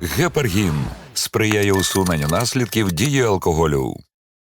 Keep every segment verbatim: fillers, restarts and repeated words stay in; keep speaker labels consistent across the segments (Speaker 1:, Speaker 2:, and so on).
Speaker 1: Гепаргін сприяє усуненню наслідків дії алкоголю.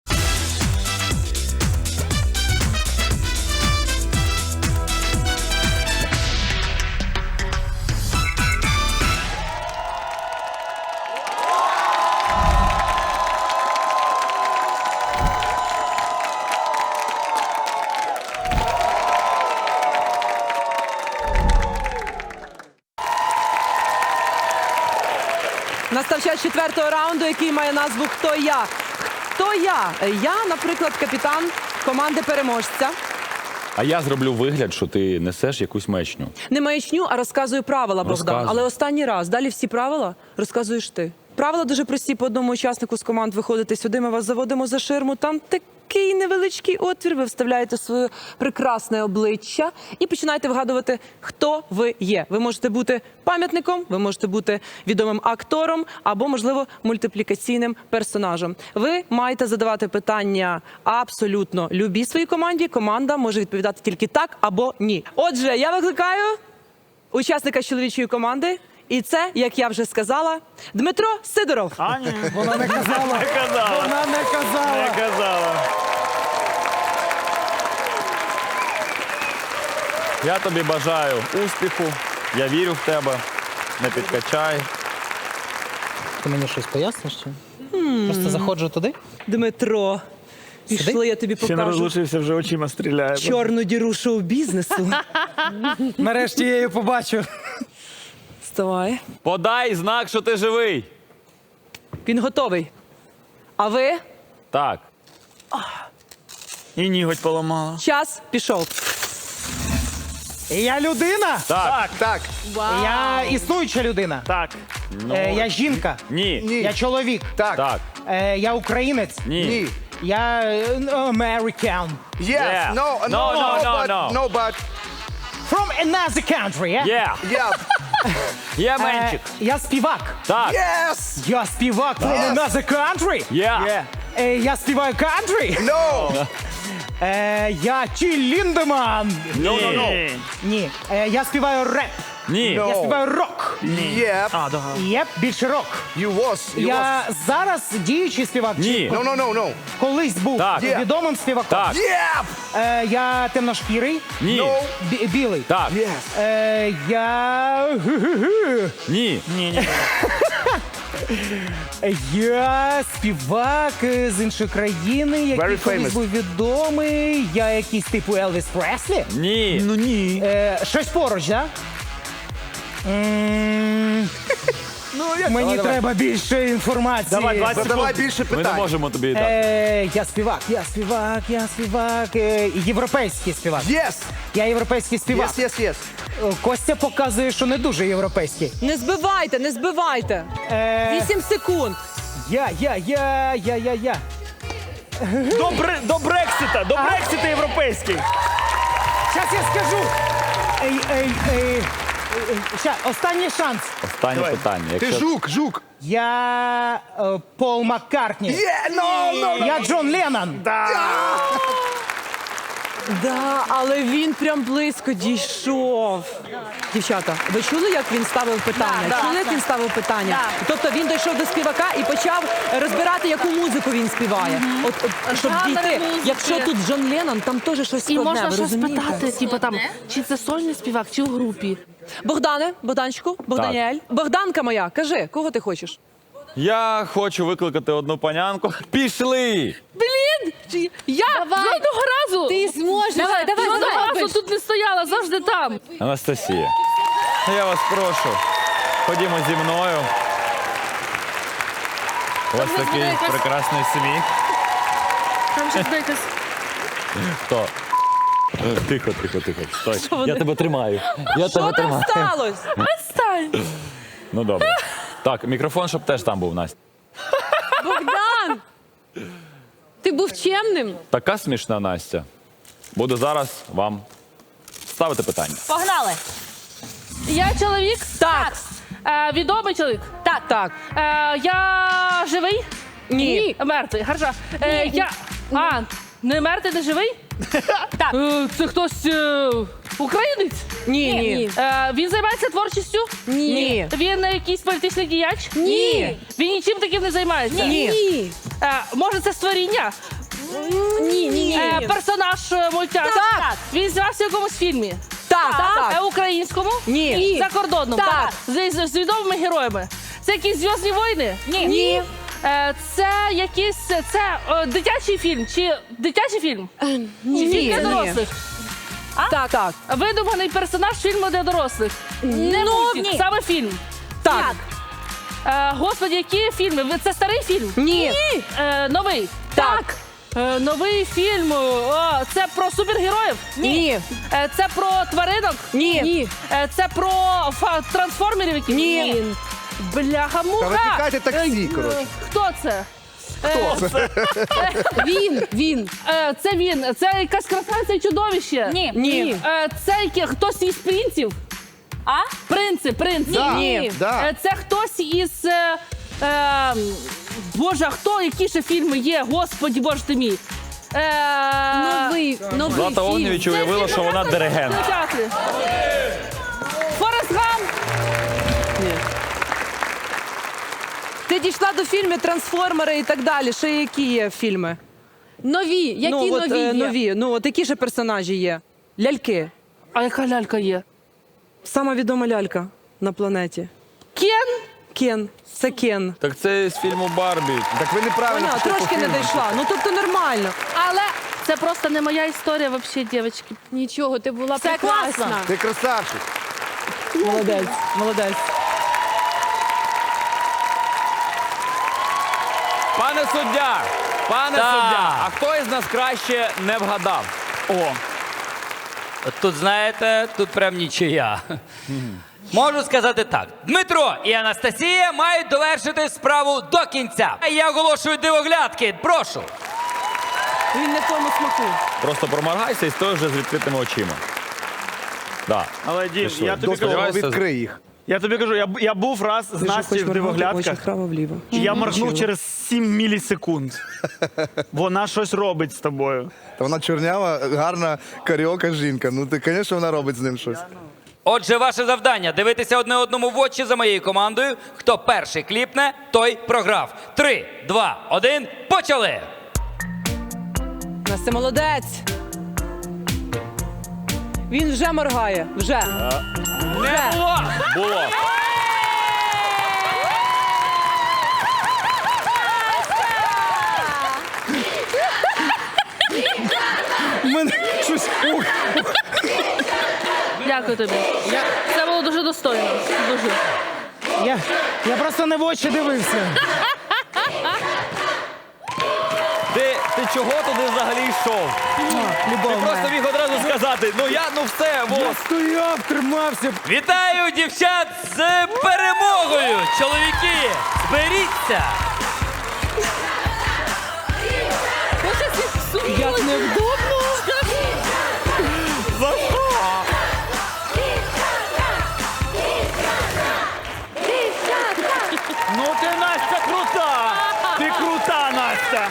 Speaker 2: Настав час четвертого раунду, який має назву «Хто я?». Хто я? Я, наприклад, капітан команди переможця.
Speaker 3: А я зроблю вигляд, що ти несеш якусь маячню.
Speaker 2: Не маячню, а розказую правила, Богдан.
Speaker 3: Розказуй.
Speaker 2: Але останній раз. Далі всі правила розказуєш ти. Правила дуже прості. По одному учаснику з команд виходите сюди, ми вас заводимо за ширму. Там такий невеличкий отвір. Ви вставляєте своє прекрасне обличчя і починаєте вгадувати, хто ви є. Ви можете бути пам'ятником, ви можете бути відомим актором або, можливо, мультиплікаційним персонажем. Ви маєте задавати питання абсолютно любій своїй команді. Команда може відповідати тільки так або ні. Отже, я викликаю учасника з чоловічої команди. І це, як я вже сказала, Дмитро Сидоров.
Speaker 4: А, ні.
Speaker 5: Вона не казала.
Speaker 4: Не казала.
Speaker 5: Вона не казала.
Speaker 4: Не казала.
Speaker 3: Я тобі бажаю успіху, я вірю в тебе, не підкачай.
Speaker 5: Ти мені щось поясниш? Чи? Просто заходжу туди.
Speaker 2: Дмитро, пішли, я тобі
Speaker 4: Ще не
Speaker 2: покажу
Speaker 4: розлучився, вже очима стріляє.
Speaker 2: чорну діру шоу-бізнесу.
Speaker 5: Нарешті я її побачу.
Speaker 2: Вставай.
Speaker 3: Подай знак, що ти живий.
Speaker 2: Він готовий. А ви?
Speaker 3: Так.
Speaker 4: І ніготь поламала.
Speaker 2: Час пішов.
Speaker 5: Я людина?
Speaker 3: Так.
Speaker 4: так,
Speaker 5: Я існуюча людина.
Speaker 4: так.
Speaker 5: Е, я жінка.
Speaker 3: Ні.
Speaker 5: Я чоловік.
Speaker 3: Так.
Speaker 5: Е, я українець.
Speaker 3: Ні.
Speaker 5: Я е, American.
Speaker 6: Yes.
Speaker 3: Yeah.
Speaker 6: No, no,
Speaker 3: No, no, no,
Speaker 6: but,
Speaker 3: no.
Speaker 6: no, but
Speaker 5: From another country, yeah?
Speaker 3: Є.
Speaker 6: yeah.
Speaker 3: Є
Speaker 5: Е,
Speaker 3: менчик.
Speaker 5: я співак.
Speaker 3: Так.
Speaker 6: Yes.
Speaker 5: Я співак from
Speaker 6: Yes.
Speaker 5: another country.
Speaker 3: Є.
Speaker 5: Е, я співаю country.
Speaker 6: No.
Speaker 5: Е, я Тіл Ліндеман.
Speaker 3: Ні.
Speaker 5: Ні. Е, я співаю реп.
Speaker 3: Ні.
Speaker 5: Я співаю рок.
Speaker 6: Yep.
Speaker 4: А, да.
Speaker 5: Єп, більше рок.
Speaker 6: You was. You
Speaker 5: Я зараз діючий співак. чи
Speaker 3: Ні.
Speaker 6: was. No, no, no, no.
Speaker 5: Колись був
Speaker 3: Так.
Speaker 6: Є.
Speaker 5: відомим співаком.
Speaker 3: Так.
Speaker 6: Yep.
Speaker 5: Е, я темношкірий,
Speaker 3: Ні.
Speaker 6: No.
Speaker 5: бі- білий.
Speaker 3: Так.
Speaker 6: Yes.
Speaker 5: Е, я... гу-гу-гу.
Speaker 3: Ні.
Speaker 4: Ні, ні.
Speaker 5: Я співак е, з іншої країни, який
Speaker 6: Very
Speaker 5: колись
Speaker 6: famous.
Speaker 5: був відомий. Я якийсь типу Елвіс Преслі.
Speaker 3: Ні.
Speaker 4: Ну ні.
Speaker 5: Е, щось поруч, да? М, Мені треба більше інформації.
Speaker 4: Давай, двадцять
Speaker 6: Задавай
Speaker 4: секунд.
Speaker 6: більше
Speaker 3: Ми не
Speaker 6: питань.
Speaker 3: можемо тобі дати.
Speaker 5: Е, я співак, я співак, я співак. Е, європейський співак.
Speaker 6: Yes.
Speaker 5: Я європейський співак.
Speaker 6: Yes, yes, yes.
Speaker 5: Е, Костя показує, що не дуже європейський.
Speaker 2: Не збивайте, не збивайте.
Speaker 5: Е,
Speaker 2: Вісім секунд.
Speaker 5: я, я, я, я, я, я.
Speaker 4: До, бре- до Брексита, до Брексита європейський.
Speaker 5: Щас я скажу. Ей, ей, ей. Ща, останній шанс.
Speaker 3: Останнє
Speaker 4: Давай.
Speaker 3: питання.
Speaker 6: Ти
Speaker 3: Якщо...
Speaker 6: жук, жук.
Speaker 5: Я е, Пол Маккартні.
Speaker 6: Yeah, no, no, no.
Speaker 5: Я Джон Леннон.
Speaker 2: Да, але він прям близько дійшов. Дівчата, ви чули, як він ставив питання? Чули, як він ставив питання? Тобто він дійшов до співака і почав розбирати, яку музику він співає. От, от щоб
Speaker 7: Жанр
Speaker 2: дійти.
Speaker 7: музики.
Speaker 2: Якщо тут Джон Леннон, там теж щось
Speaker 7: І
Speaker 2: складне,
Speaker 7: можна
Speaker 2: ви
Speaker 7: ще
Speaker 2: розумієте?
Speaker 7: спитати, типу там, чи це сольний співак, чи у групі.
Speaker 2: Богдане, Богданчику, Богданіель. Богданка моя, кажи, кого ти хочеш?
Speaker 3: Я хочу викликати одну панянку. Пішли!
Speaker 7: Блін! Чи- Я жодного разу! Ти зможеш! Давай, давай, жодного разу тут не стояла, завжди там.
Speaker 3: Анастасія, я вас прошу, ходімо зі мною. У вас
Speaker 7: Там
Speaker 3: такий
Speaker 7: буде якась-
Speaker 3: прекрасний сміх.
Speaker 7: Там щось буде якась...
Speaker 3: Хто? Е, Тихо, тихо, тихо. Стой.
Speaker 2: вони?
Speaker 3: Я тебе тримаю. Я
Speaker 2: Що
Speaker 3: тебе
Speaker 2: там
Speaker 3: тримаю.
Speaker 2: сталося?
Speaker 7: Відстань!
Speaker 3: Ну добре. Так, мікрофон, щоб теж там був, Настя.
Speaker 7: Богдан! Ти був чемним?
Speaker 3: Така смішна Настя. Буду зараз вам ставити питання.
Speaker 7: Погнали! Я чоловік?
Speaker 2: Так.
Speaker 7: Е, відомий чоловік?
Speaker 2: Так, так.
Speaker 7: Е, я живий?
Speaker 2: Ні.
Speaker 7: Мертвий, гаржа. Е, я... А, не мертвий, не живий? Так. Е, це хтось... Е... Українець?
Speaker 2: Ні, ні.
Speaker 7: Е, він займається творчістю?
Speaker 2: Ні.
Speaker 7: Він е, якийсь політичний діяч?
Speaker 2: Ні.
Speaker 7: Він нічим таким не займається?
Speaker 2: Ні.
Speaker 7: Е, може, це створіння?
Speaker 2: Ні, ні.
Speaker 7: Е, персонаж е, мультяшки?
Speaker 2: Так.
Speaker 7: Він знявся в якомусь фільмі?
Speaker 2: Так,
Speaker 7: Е,
Speaker 2: так.
Speaker 7: українському?
Speaker 2: Ні.
Speaker 7: Закордонному?
Speaker 2: Так.
Speaker 7: З, з, з відомими героями? Це якісь «Зв'язні війни»?
Speaker 2: Ні.
Speaker 7: Е, це якийсь це е, дитячий фільм? Чи дитячий фільм? Чи
Speaker 2: Ні,
Speaker 7: фільм для
Speaker 2: ні.
Speaker 7: дорослих?
Speaker 2: Так, так.
Speaker 7: Видуманий персонаж фільму для дорослих? Не
Speaker 2: Ну,
Speaker 7: мультик,
Speaker 2: ні.
Speaker 7: саме фільм.
Speaker 2: Так.
Speaker 7: Е, господи, які фільми? Ви- Це старий фільм?
Speaker 2: Ні.
Speaker 7: Е, новий?
Speaker 2: Так.
Speaker 7: Е, новий фільм. О, це про супергероїв?
Speaker 2: Ні.
Speaker 7: Е, це про тваринок?
Speaker 2: Ні.
Speaker 7: Е, це про фа- трансформерів якісь?
Speaker 2: Ні.
Speaker 7: Бляха-муха.
Speaker 6: Та викликайте таксі,
Speaker 7: Е,
Speaker 6: коротше.
Speaker 7: Хто це?
Speaker 6: Хто це?
Speaker 7: Він, він. Е, це він. Це якась красавиця і чудовище.
Speaker 8: Ні.
Speaker 2: Ні.
Speaker 7: Е, це яке- хтось із принців?
Speaker 8: А?
Speaker 7: Принци, принци.
Speaker 6: Да,
Speaker 2: Ні.
Speaker 6: да.
Speaker 7: Е, Це хтось із. Е, е, Боже, а хто? Які ще фільми є? Господі, боже ти мій. Е,
Speaker 8: Новий, новий
Speaker 3: Злата
Speaker 8: фільм.
Speaker 3: Огнєвіч уявила, що вона диригент.
Speaker 7: Театрі. Форест Гамп.
Speaker 2: Ти дійшла до фільмів «Трансформери» і так далі. Ще які є фільми?
Speaker 8: Нові. Які
Speaker 2: ну, от,
Speaker 8: нові
Speaker 2: е,
Speaker 8: є?
Speaker 2: нові. Ну, от які же персонажі є? Ляльки.
Speaker 7: А яка лялька є?
Speaker 2: Сама відома лялька на планеті.
Speaker 7: Кен?
Speaker 2: Кен. Це Кен.
Speaker 3: Так це з фільму Барбі.
Speaker 6: Так ви неправильно
Speaker 2: Вона
Speaker 6: пішли по
Speaker 2: трошки не
Speaker 6: фільму.
Speaker 2: дійшла. Ну, тобто нормально.
Speaker 7: Але це просто не моя історія, взагалі, дівчатки.
Speaker 8: Нічого, ти була
Speaker 7: Це
Speaker 8: прекрасна.
Speaker 7: класно.
Speaker 6: Ти красавчик.
Speaker 2: Молодець, молодець.
Speaker 3: Пане суддя! Пане
Speaker 9: Так.
Speaker 3: суддя! А хто із нас краще не вгадав?
Speaker 4: О,
Speaker 9: От тут, знаєте, тут прям нічия. Можу сказати так. Дмитро і Анастасія мають довершити справу до кінця. Я оголошую дивоглядки. Прошу.
Speaker 2: Він не в тому смаку.
Speaker 3: Просто проморгайся і стой вже з відкритими очима. Да.
Speaker 4: але Дім,
Speaker 3: що,
Speaker 4: я тобі
Speaker 6: Дослова
Speaker 4: кажу,
Speaker 3: сподіваюся,
Speaker 6: відкрий їх.
Speaker 4: я тобі кажу, я, б- я був раз з Настю в дивоглядках,
Speaker 2: вправо-вліво.
Speaker 4: і я моргнув через сім мілісекунд. Вона щось робить з тобою.
Speaker 6: Та вона чорнява, гарна каріока жінка. Ну ти, звісно, вона робить з ним щось.
Speaker 9: Отже, ваше завдання дивитися одне одному в очі за моєю командою. Хто перший кліпне, той програв. Три, два, один, почали!
Speaker 2: Настя молодець. Він вже моргає. Вже.
Speaker 9: Не було!
Speaker 3: Було.
Speaker 6: У мене щось. Ух.
Speaker 7: Дякую тобі. Це було дуже достойно. Дуже.
Speaker 5: Я, я просто не в очі дивився.
Speaker 3: Ти, ти чого туди взагалі йшов? Ти просто міг одразу сказати, ну я, ну все, во.
Speaker 5: Я стояв, тримався.
Speaker 9: Вітаю дівчат з перемогою! Чоловіки, зберіться!
Speaker 2: Як невдобно.
Speaker 3: За що?
Speaker 4: Ну ти, Настя, крута! Ти крута, Настя!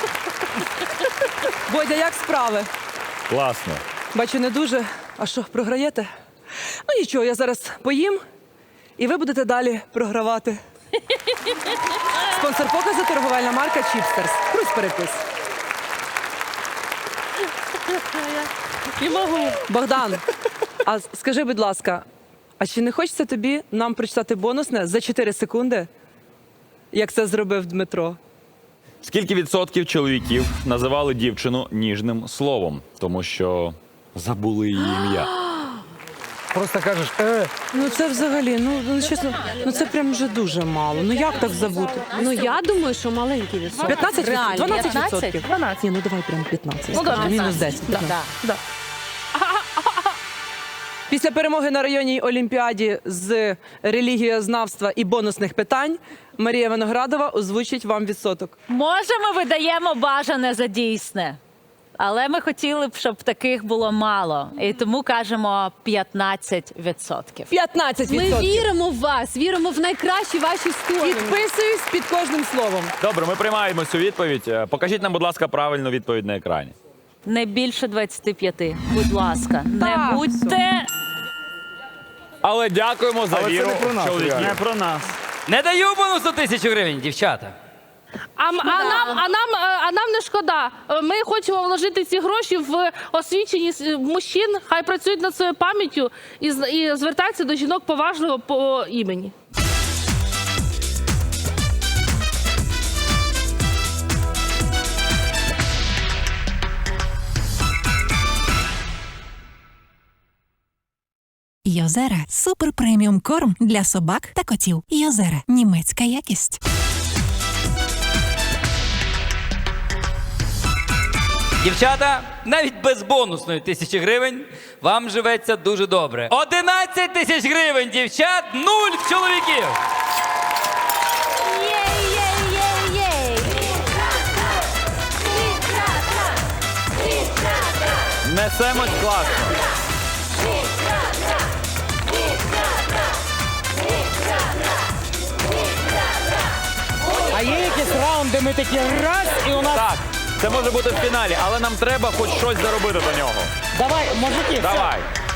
Speaker 2: Бодя, як справи?
Speaker 3: Класно.
Speaker 2: Бачу, не дуже. А що, програєте? Ну нічого, я зараз поїм, і ви будете далі програвати. Спонсор показу торговельна марка Чіпстерс. Крусь перепис.
Speaker 7: Не можу.
Speaker 2: Богдан, а с- скажи, будь ласка, а чи не хочеться тобі нам прочитати бонусне за чотири секунди, як це зробив Дмитро?
Speaker 3: Скільки відсотків чоловіків називали дівчину ніжним словом, тому що забули її ім'я?
Speaker 5: Просто кажеш, е,
Speaker 2: Ну це взагалі, ну, ну чесно, ну це прям вже дуже мало. Ну як так забути?
Speaker 8: Ну я думаю, що маленький відсоток.
Speaker 2: п'ятнадцять
Speaker 8: Реально.
Speaker 2: дванадцять
Speaker 8: п'ятнадцять?
Speaker 2: відсотків.
Speaker 7: дванадцять.
Speaker 2: Ні, ну давай прям п'ятнадцять.
Speaker 7: Ну, добре,
Speaker 2: Мінус
Speaker 7: п'ятнадцять.
Speaker 2: десять.
Speaker 8: Да.
Speaker 2: Да. Після перемоги на районній олімпіаді з релігієзнавства і бонусних питань Марія Виноградова озвучить вам відсоток.
Speaker 10: Може, ми видаємо бажане за дійсне, але ми хотіли б, щоб таких було мало. І тому кажемо п'ятнадцять відсотків.
Speaker 2: п'ятнадцять
Speaker 8: Ми
Speaker 2: відсотків.
Speaker 8: віримо в вас, віримо в найкращі ваші сторони.
Speaker 2: Підписуюсь під кожним словом.
Speaker 3: Добре, ми приймаємо цю відповідь. Е, Покажіть нам, будь ласка, правильну відповідь на екрані.
Speaker 10: Не більше двадцяти п'яти. Будь ласка, не
Speaker 2: Так,
Speaker 10: будьте.
Speaker 3: Але дякуємо за
Speaker 6: Але це
Speaker 3: віру
Speaker 6: не про нас,
Speaker 3: чоловіків.
Speaker 6: реально.
Speaker 4: Не про нас.
Speaker 9: Не даю бонусу тисячу гривень, дівчата.
Speaker 7: А, м- а, нам, а, нам, е, а нам не шкода. Е, Ми хочемо вложити ці гроші в освіченість е, мужчин, хай працюють над своєю пам'яттю і, з- і звертаються до жінок поважливо по імені.
Speaker 11: Йозера – супер преміум корм для собак та котів. Йозера – німецька якість.
Speaker 9: Дівчата, навіть без бонусної тисячі гривень вам живеться дуже добре. одинадцять тисяч гривень, дівчат, нуль чоловіків.
Speaker 3: Несемось класно.
Speaker 5: А є якісь раунди, де ми такі раз, і у нас...
Speaker 3: Так, це може бути в фіналі, але нам треба хоч щось заробити до нього.
Speaker 5: Давай, мужики, все.
Speaker 3: Давай.